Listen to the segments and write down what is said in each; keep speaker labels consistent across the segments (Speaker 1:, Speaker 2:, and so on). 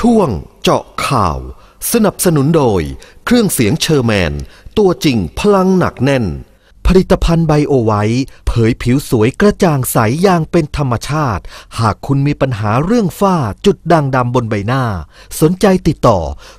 Speaker 1: ช่วงเจาะข่าวสนับสนุนโดยเครื่องเสียงเชอร์แมนตัวจริงพลังหนักแน่นผลิตภัณฑ์ไบโอไวท์เผยผิวสวยกระจ่างใสอย่างเป็นธรรมชาติหากคุณมีปัญหาเรื่องฝ้าจุดด่างดำบนใบหน้าสนใจติดต่อ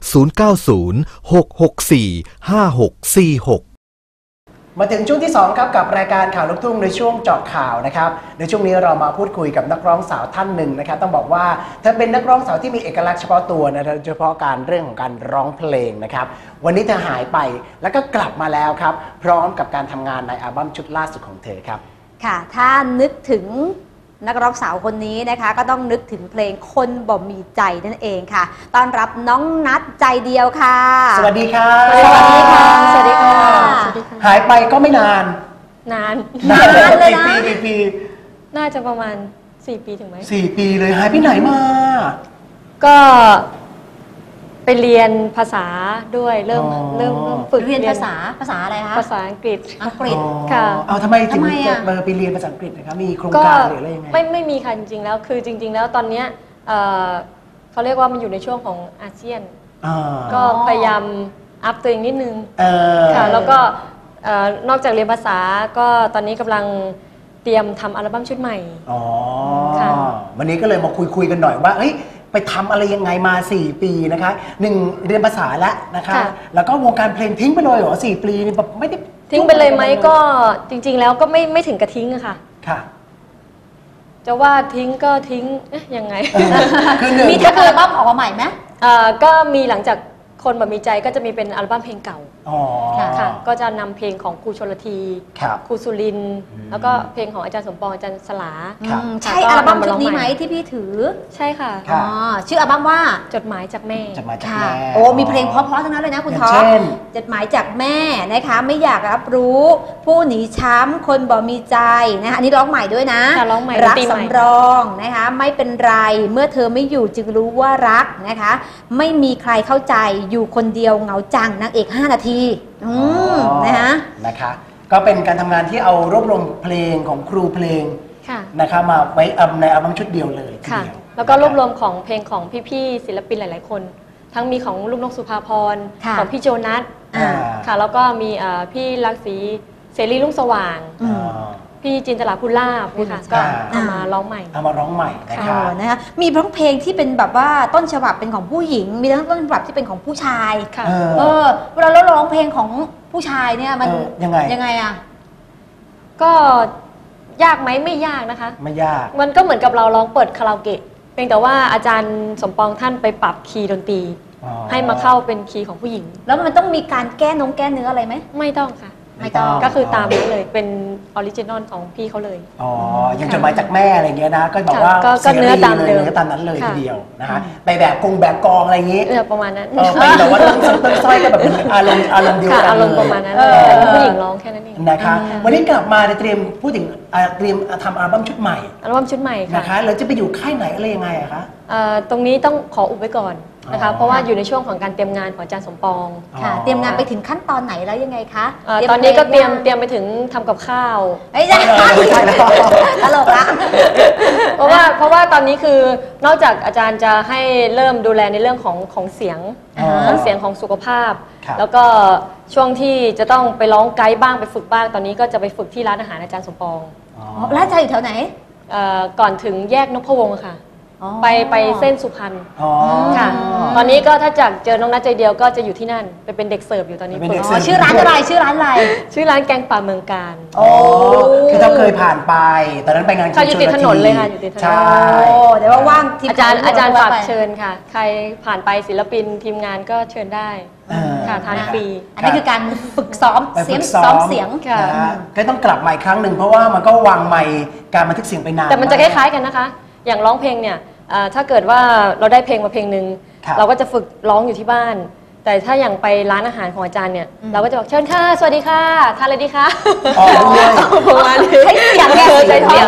Speaker 1: 0906645646
Speaker 2: มาถึงช่วงที่2ครับกับรายการข่าวลูกทุ่งในช่วงเจาะข่าวนะครับในช่วงนี้เรามาพูดคุยกับนักร้องสาวท่านหนึ่งนะครับต้องบอกว่าเธอเป็นนักร้องสาวที่มีเอกลักษณ์เฉพาะตัวนะโดยเฉพาะการเรื่องของการร้องเพลงนะครับวันนี้เธอหายไปแล้วก็กลับมาแล้วครับพร้อมกับการทำงานในอัลบั้มชุดล่าสุดของเธอครับ
Speaker 3: ค่ะถ้านึกถึงนักร้องสาวคนนี้นะคะก็ต้องนึกถึงเพลงคนบ่มีใจนั่นเองค่ะต้อนรับน้องนัทใจเดียวค่ะ
Speaker 2: สวัสดีค่ะ
Speaker 3: สวัสดีค่ะ
Speaker 2: สวัสดีค่ะหายไปก็ไม่นาน
Speaker 3: เลยนะ
Speaker 2: กี่ปี
Speaker 4: น่าจะประมาณ4 ปีถึงไหม
Speaker 2: 4 ปีเลยหายไปไหนมา
Speaker 4: ก็ไปเรียนภาษาด้วยเริ่มฝึก
Speaker 3: เรียนภาษาอะไรคะ
Speaker 4: ภาษาอังกฤษ
Speaker 3: ค่ะ
Speaker 2: เอาทำไมถึงจะไปเรียนภาษาอังกฤษนะครับมีโครงการหรืออะไรยังไง
Speaker 4: ไม่มีค่ะจริงๆแล้วคือจริงๆแล้วตอนนี้เขาเรียกว่ามันอยู่ในช่วงของอาเซียนก็พยายามอัพตัวเองนิดนึงค่ะแล้วก็นอกจากเรียนภาษาก็ตอนนี้กำลังเตรียมทำอัลบั้มชุดใหม่
Speaker 2: ค่ะวันนี้ก็เลยมาคุยกันหน่อยว่าไปทำอะไรยังไงมา4 ปีนะคะ1เรียนภาษาแล้วนะคะแล้วก็วงการเพลงทิ้งไปเลยเหรอ4 ปีนี่แบบไม่ได้
Speaker 4: ทิ้งไปเลยไหมก็จริงๆแล้วก็ไม่ถึงกับทิ้งอะค่ะจะว่าทิ้งก็ทิ้งยังไง
Speaker 3: มีทำอัลบั้มออกมาใหม่ไหม
Speaker 4: ก็มีหลังจากคนแบบมีใจก็จะมีเป็นอัลบั้มเพลงเก่าค่ะก็จะนำเพลงของครูชลธีครูสุรินทร์แล้วก็เพลงของอาจารย์สมปองอาจารย์สลา
Speaker 3: ใช่อัลบั้มชุดนี้ไหมที่พี่ถือ
Speaker 4: ใช่ค่ะ
Speaker 3: ชื่ออัลบั้มว่า
Speaker 4: จดหมายจากแม่
Speaker 3: โอ้มีเพลงเพราะๆทั้งนั้นเลยนะคุณท็อปจดหมายจากแม่นะคะไม่อยากรับรู้ผู้หนีช้ำคนบ่มีใจนะคะอันนี้ร้องใหม่ด้วยนะรักสำรองนะคะไม่เป็นไรเมื่อเธอไม่อยู่จึงรู้ว่ารักนะคะไม่มีใครเข้าใจอยู่คนเดียวเหงาจังนางเอก5 นาที
Speaker 2: นะคะก็เป็นการทำงานที่เอารวบรวมเพลงของครูเพลงนะคะมาไว้ในอัลบั้มชุดเดียวเลยทีเดียว
Speaker 4: แล้วก็รวบรวมของเพลงของพี่ๆศิลปินหลายๆคนทั้งมีของลูกนกสุภาพรของพี่โจนัสค่ะแล้วก็มีพี่ลักษีเสรีรุ่งสว่างพี่จินตลาภูลาภนะคะก็เอามาร้องใหม่
Speaker 3: นะคะมีทั้งเพลงที่เป็นแบบว่าต้นฉบับเป็นของผู้หญิงมีทั้งต้นฉบับที่เป็นของผู้ชายเวลาเราร้องเพลงของผู้ชายเนี่ยมันยังไงอ่ะ
Speaker 4: ก็ยากไหมไม่ยากนะคะ
Speaker 2: ไม่ยาก
Speaker 4: มันก็เหมือนกับเราร้องเปิดคาราโอเกะเพียงแต่ว่าอาจารย์สมปองท่านไปปรับคีย์ดนตรีให้มาเข้าเป็นคีย์ของผู้หญิง
Speaker 3: แล้วมันต้องมีการแก้เนื้ออะไรไหม
Speaker 4: ไม่ต้องค่ะไม่ต้องก็คือตามนี้เลยเป็นออริจินอลของพี่เขาเลย
Speaker 2: ยังจดหมายจากแม่อะไรเงี้ยนะก็บอกว่า
Speaker 4: ก็เนื้อตามเลย
Speaker 2: เนื้อตามนั้นเลยทีเดียวนะคะไปแบบกองอะไรอย่างงี้
Speaker 4: ประมาณนั้น
Speaker 2: ไปแต่ว่าต้นสร้อยก็แบบอารมณ์เดียวกัน
Speaker 4: อารมณ์ประมาณนั้นผู้หญิงร้องแค่นั้นเอง
Speaker 2: นะคะวันนี้กลับมาเตรียมพูดถึงเตรียมทำอัลบั้มชุดใหม่นะคะแล้วจะไปอยู่ค่ายไหนอะไรยังไงอะคะ
Speaker 4: ตรงนี้ต้องขออุบไว้ก่อนนะคะเพราะว่าอยู่ในช่วงของการเตรียมงานของอาจารย์สมปอง
Speaker 3: ค่ะเตรียมงานไปถึงขั้นตอนไหนแล้วยังไงคะ
Speaker 4: ตอนนี้ก็เตรียมไปถึงทำกับข้าว
Speaker 3: ใช่ตลกละ
Speaker 4: เพราะว่าตอนนี้คือนอกจากอาจารย์จะให้เริ่มดูแลในเรื่องของเสียงทั้งเสียงของสุขภาพแล้วก็ช่วงที่จะต้องไปร้องไกด์บ้างไปฝึกบ้างตอนนี้ก็จะไปฝึกที่ร้านอาหารอาจารย์สมปอง
Speaker 3: ร้านอาจารย์อยู่แถวไหน
Speaker 4: ก่อนถึงแยกนพวงศ์ค่ะไปเส้นสุพรรณค่ะตอนนี้ก็ถ้าจากเจอน้องนัทใจเดียวก็จะอยู่ที่นั่นไปเป็นเด็กเสิร์ฟอยู่ตอนนี้
Speaker 3: ชื่อร้านอะไรชื่อร้าน
Speaker 4: แกงป่าเมืองการ
Speaker 2: คือถ้าเคยผ่านไปตอนนั้นไปงาน
Speaker 4: ค่ะอยู่ติดถนนเลยค่ะอยู่ติดถนน
Speaker 2: ใช่
Speaker 3: เดี๋ยวว่าง
Speaker 4: อาจารย์ฝากเชิญค่ะใครผ่านไปศิลปินทีมงานก็เชิญได้ค่ะทานฟรี
Speaker 3: อันนี้คือการฝึกซ้อมเสียง
Speaker 2: ค่ะก็ต้องกลับมาอีกครั้งหนึ่งเพราะว่ามันก็วางไมค์การบันทึกเสียงไปนาน
Speaker 4: แต่มันจะคล้ายๆกันนะคะอย่างร้องเพลงเนี่ยถ้าเกิดว่าเราได้เพลงมาเพลงหนึ่งเราก็จะฝึกร้องอยู่ที่บ้านแต่ถ้าอย่างไปร้านอาหารของอาจารย์เนี่ยเราก็จะบอกเชิญค่ะสวัสดีค่ะทานอะไรดีคะ
Speaker 3: ประมาณนี้ให้เสียง
Speaker 2: ใช้เสียง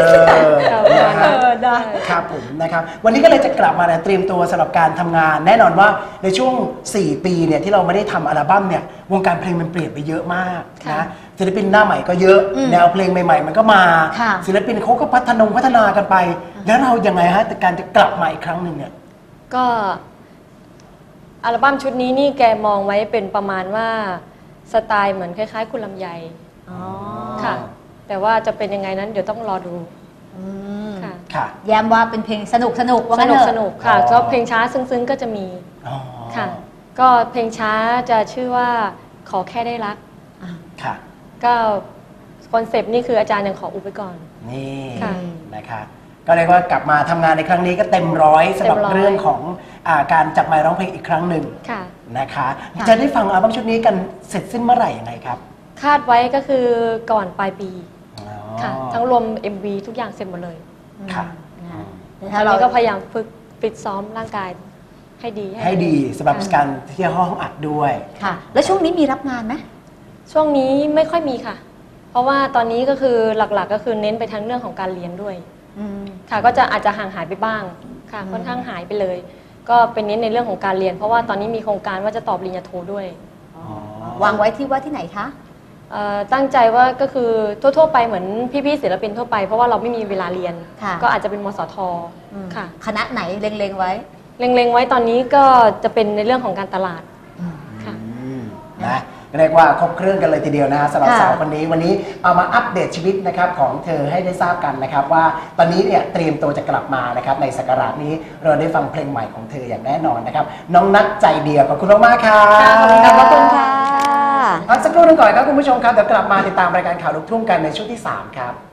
Speaker 2: ครับผมนะครับวันนี้ก็เลยจะกลับมาเตรียมตัวสำหรับการทำงานแน่นอนว่าในช่วง4 ปีเนี่ยที่เราไม่ได้ทำอัลบั้มเนี่ยวงการเพลงมันเปลี่ยนไปเยอะมากนะศิลปินหน้าใหม่ก็เยอะแนวเพลงใหม่ๆมันก็มาศิลปินเขาก็พัฒนากันไปแล้วเรายังไงฮะแต่การจะกลับมาอีกครั้งหนึ่งเนี่ย
Speaker 4: ก็อัลบั้มชุดนี้นี่แกมองไว้เป็นประมาณว่าสไตล์เหมือนคล้ายๆคุณลำไยค่ะแต่ว่าจะเป็นยังไงนั้นเดี๋ยวต้องรอดู
Speaker 3: ค่ะแย้มว่าเป็นเพลงสนุกว่างั้นเถอะ
Speaker 4: สนุกค่ะก็เพลงช้าซึ้งๆก็จะมีค่ะก็เพลงช้าจะชื่อว่าขอแค่ได้รัก
Speaker 2: ค่ะ
Speaker 4: ก็คอนเซปต์นี่คืออาจารย์ยังขออุบไว้ก่อน
Speaker 2: นี่นะคะก็เรียกว่ากลับมาทำงานในครั้งนี้ก็เต็มร้อยสำหรับเรื่องของการจับไมค์ร้องเพลงอีกครั้งหนึ่งนะคะจะได้ฟังอัลบั้มชุดนี้กันเสร็จสิ้นเมื่อไหร่ยังไงครับ
Speaker 4: คาดไว้ก็คือก่อนปลายปีค่ะทั้งรวม MV ทุกอย่างเสร็จหมดเลย
Speaker 2: ค่ะ
Speaker 4: เราก็พยายามฝึกฟิตซ้อมร่างกายให้ดี
Speaker 2: สำหรับการที่ห้องอัดด้วย
Speaker 3: ค่ะแล้วช่วงนี้มีรับงานไหม
Speaker 4: ช่วงนี้ไม่ค่อยมีค่ะเพราะว่าตอนนี้ก็คือหลักๆก็คือเน้นไปทั้งเรื่องของการเรียนด้วยค่ะก็จะอาจจะห่างหายไปบ้างค่ะค่อนข้างหายไปเลยก็เป็นเน้นในเรื่องของการเรียนเพราะว่าตอนนี้มีโครงการว่าจะต่อปริญญาโทด้วย
Speaker 3: วางไว้ที่ไหนคะ
Speaker 4: ตั้งใจว่าก็คือทั่วๆไปเหมือนพี่ๆศิลปินทั่วไปเพราะว่าเราไม่มีเวลาเรียนก็อาจจะเป็นมสทค่ะ
Speaker 3: คณะไหนเล็งๆไว้
Speaker 4: ตอนนี้ก็จะเป็นในเรื่องของการตลาดค่ะ
Speaker 2: นะเรียกว่าครบเครื่องกันเลยทีเดียวนะสำหรับสาวคนนี้วันนี้เอามาอัปเดตชีวิตนะครับของเธอให้ได้ทราบกันนะครับว่าตอนนี้เนี่ยเตรียมตัวจะกลับมานะครับในศักราชนี้เราได้ฟังเพลงใหม่ของเธออย่างแน่นอนนะครับน้องนัทใจเดียวขอบคุณมากๆครับ
Speaker 3: ขอบคุณค่ะ
Speaker 2: พักสักครู่นึงก่อนครับคุณผู้ชมครับเดี๋ยวกลับมาติดตามรายการข่าวลูกทุ่งกันในช่วงที่3ครับ